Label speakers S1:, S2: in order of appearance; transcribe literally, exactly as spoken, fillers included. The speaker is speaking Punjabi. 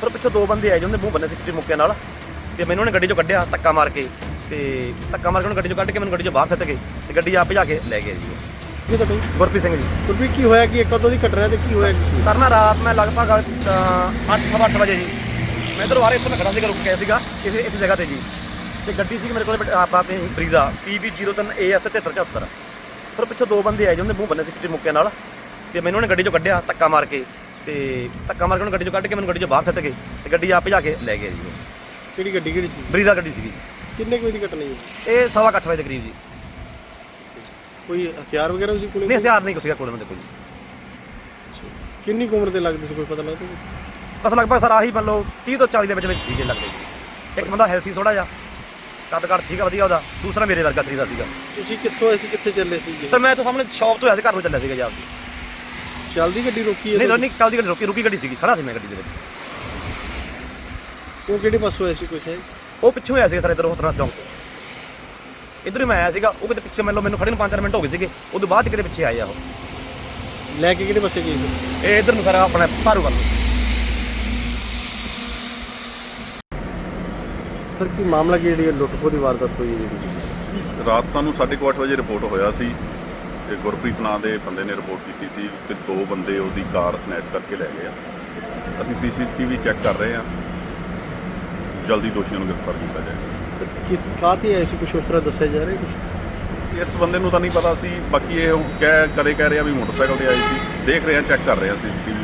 S1: ਫਿਰ ਪਿੱਛੋਂ ਦੋ ਬੰਦੇ ਆਏ ਜਿਹਨਾਂ ਦੇ ਮੂੰਹ ਬੰਨੇ ਸੀ ਚਿੱਟੇ ਮੁੱਕਿਆਂ ਨਾਲ ਤੇ ਮੈਨੂੰ ਉਹਨੇ ਗੱਡੀ ਚੋਂ ਕੱਢਿਆ ਧੱਕਾ ਮਾਰ ਕੇ ਤੇ ਧੱਕਾ ਮਾਰ ਕੇ ਉਹਨੂੰ ਗੱਡੀ ਚੋਂ ਕੱਢ ਕੇ ਮੈਨੂੰ ਗੱਡੀ ਚੋਂ ਬਾਹਰ ਸੱਟ ਕੇ ਤੇ ਗੱਡੀ ਆਪ ਭਜਾ ਕੇ ਲੈ ਗਏ ਜੀ।
S2: ਕੀ ਤਾਂ ਬਈ
S1: ਗੁਰਪ੍ਰੀਤ ਸਿੰਘ ਜੀ।
S2: ਗੁਰਪ੍ਰੀਤ ਕੀ ਹੋਇਆ ਕਿ ਕਦੋਂ ਦੀ ਘਟਨਾ ਤੇ ਕੀ ਹੋਇਆ ਕੀ
S1: ਸਰ ਨਾ ਰਾਤ ਮੈਂ ਲਗਭਗ ਅੱਠ ਸਵਾ ਅੱਠ ਵਜੇ ਜੀ ਮੈਂ ਇੱਧਰੋਂ ਆ ਰਿਹਾ ਇੱਥੋਂ ਮੈਂ ਖੜਾ ਸੀਗਾ ਰੁਕ ਗਿਆ ਸੀਗਾ ਕਿਸੇ ਇਸ ਜਗ੍ਹਾ ਤੇ ਜੀ ਤੇ ਗੱਡੀ ਸੀ ਮੇਰੇ ਕੋਲ ਆਪ ਆਪਣੀ ਬਰੀਜ਼ਾ ਪੀ ਵੀ ਜ਼ੀਰੋ ਤਿੰਨ ਏ ਐਸ ਤਿਹੱਤਰ ਚੁਹੱਤਰ ਫਿਰ ਪਿੱਛੋਂ ਦੋ ਬੰਦੇ ਆਏ ਜਿਹਨਾਂ ਦੇ ਮੂੰਹ ਬੰਨੇ ਸੀ ਚਿੱਟੇ ਮੁੱਕਿਆਂ ਨਾਲ ਤੇ ਮੈਨੂੰ ਉਹਨੇ ਗੱਡੀ ਚੋਂ ਕੱਢਿਆ ਧੱਕਾ ਮਾਰ ਕੇ ਤੇ ਧੱਕਾ ਮਾਰ ਕੇ ਉਹਨੂੰ ਗੱਡੀ ਚੋਂ ਕੱਢ ਕੇ ਮੈਨੂੰ ਗੱਡੀ ਚੋਂ ਬਾਹਰ ਸੱਟ ਕੇ ਤੇ ਗੱਡੀ ਆਪ ਭਜਾ ਕੇ ਲੈ ਗਏ ਜੀ।
S2: ਕਿਹੜੀ ਗੱਡੀ ਕਿਹੜੀ ਸੀ?
S1: ਬਰੀਜ਼ਾ ਗੱਡੀ ਸੀਗੀ।
S2: ਕਿੰਨੇ ਕੁ ਵਜੇ ਦੀ ਘਟਨਾ ਜੀ?
S1: ਇਹ ਸਵਾ ਕੁ ਅੱਠ ਵਜੇ ਦੇ ਕਰੀਬ ਜੀ।
S2: ਕੋਈ ਹਥਿਆਰ ਵਗੈਰਾ ਸੀ ਕੋਲ?
S1: ਨਹੀਂ ਹਥਿਆਰ ਨਹੀਂ ਕੁਛ ਸੀਗਾ ਕੋਲ ਮੇਰੇ ਕੋਲ।
S2: ਕਿੰਨੀ ਕੁ ਉਮਰ ਦੇ ਲੱਗਦੇ ਸੀ ਕੋਈ ਪਤਾ ਲੱਗਦਾ?
S1: ਬਸ ਲਗਭਗ ਸਰ ਆਹੀ ਮੰਨ ਲਓ ਤੀਹ ਤੋਂ ਚਾਲੀ ਦੇ ਵਿੱਚ ਵਿੱਚ ਸੀਗੇ ਲੱਗਦੇ ਜੀ। ਇੱਕ ਬੰਦਾ ਹੈਲਥੀ ਥੋੜਾ ਜਿਹਾ ਕੱਦ ਕੱਦ ਠੀਕ ਆ ਵਧੀਆ ਉਹਦਾ, ਦੂਸਰਾ ਮੇਰੇ ਵਰਗਾ ਸਰੀਰ ਦਾ ਸੀਗਾ।
S2: ਤੁਸੀਂ ਕਿੱਥੋਂ ਆਏ ਸੀ, ਕਿੱਥੇ ਚੱਲੇ ਸੀ ਜੀ?
S1: ਸਰ ਮੈਂ ਤਾਂ ਸਾਹਮਣੇ ਸ਼ਾਪ ਤੋਂ ਆਇਆ ਸੀ, ਘਰ ਨੂੰ ਚੱਲਿਆ ਸੀਗਾ ਜੀ ਆਪਦੀ।
S2: ਚੱਲਦੀ ਗੱਡੀ ਰੋਕੀ ਹੈ?
S1: ਨਹੀਂ ਨਹੀਂ ਚੱਲਦੀ ਗੱਡੀ ਰੁਕੀ ਰੁਕੀ ਗੱਡੀ ਸੀਗੀ, ਖੜਾ ਸੀ ਮੈਂ ਗੱਡੀ ਦੇ ਵਿੱਚ।
S2: ਉਹ ਕਿਹੜੇ ਪਾਸੋਂ ਆਏ ਸੀ ਕੋਈ ਹੈ?
S1: ਉਹ ਪਿੱਛੋਂ ਆਇਆ ਸੀਗਾ ਸਰ ਇੱਧਰ ਹੋਤਨਾ ਚੌਂਕ ਤੋਂ। ਇੱਧਰ ਹੀ ਮੈਂ ਆਇਆ ਸੀਗਾ, ਉਹ ਕਿਤੇ ਪਿੱਛੇ ਮੈਨੂੰ ਮੈਨੂੰ ਖੜੇ ਨੂੰ ਪੰਜ ਚਾਰ ਮਿੰਟ ਹੋ ਗਏ ਸੀਗੇ, ਉਹਦੇ ਬਾਅਦ ਚ ਕਿਤੇ ਪਿੱਛੇ ਆਏ ਆ ਉਹ।
S2: ਲੈ ਕੇ ਕਿਹੜੇ ਪਾਸੇ ਗਏ ਸੀ?
S1: ਇਹ ਇੱਧਰ ਨੂੰ ਸਰ ਆਪਣੇ ਭਾਰੂ ਵੱਲ ਨੂੰ।
S2: ਸਰ ਕੀ ਮਾਮਲਾ ਕੀ ਜਿਹੜੀ ਲੁੱਟ ਖੋਹ ਦੀ ਵਾਰਦਾਤ ਹੋਈ ਹੈ ਜਿਹੜੀ?
S3: ਇਸ ਰਾਤ ਸਾਨੂੰ ਸਾਢੇ ਕੁ ਅੱਠ ਵਜੇ ਰਿਪੋਰਟ ਹੋਇਆ ਸੀ ਤੇ ਗੁਰਪ੍ਰੀਤ ਨਾਂ ਦੇ ਬੰਦੇ ਨੇ ਰਿਪੋਰਟ ਕੀਤੀ ਸੀ ਕਿ ਦੋ ਬੰਦੇ ਉਹਦੀ ਕਾਰ ਸਨੈਚ ਕਰਕੇ ਲੈ ਗਏ ਆ। ਅਸੀਂ ਸੀ ਸੀ ਟੀ ਵੀ ਚੈੱਕ ਕਰ ਰਹੇ ਹਾਂ, ਜਲਦੀ ਦੋਸ਼ੀਆਂ ਨੂੰ ਗ੍ਰਿਫਤਾਰ ਕੀਤਾ ਜਾਏਗਾ।
S2: ਕਿ ਕਾਹਤੇ ਆਏ ਸੀ, ਕੁਛ ਉਸ ਤਰ੍ਹਾਂ ਦੱਸਿਆ ਜਾ ਰਿਹਾ ਕੁਛ?
S3: ਇਸ ਬੰਦੇ ਨੂੰ ਤਾਂ ਨਹੀਂ ਪਤਾ ਸੀ, ਬਾਕੀ ਇਹ ਕਹਿ ਕਦੇ ਕਹਿ ਰਹੇ ਆ ਵੀ ਮੋਟਰਸਾਈਕਲ ਤੇ ਆਏ ਸੀ। ਦੇਖ ਰਹੇ ਹਾਂ, ਚੈੱਕ ਕਰ ਰਹੇ ਹਾਂ ਸੀ ਸੀ ਟੀ ਵੀ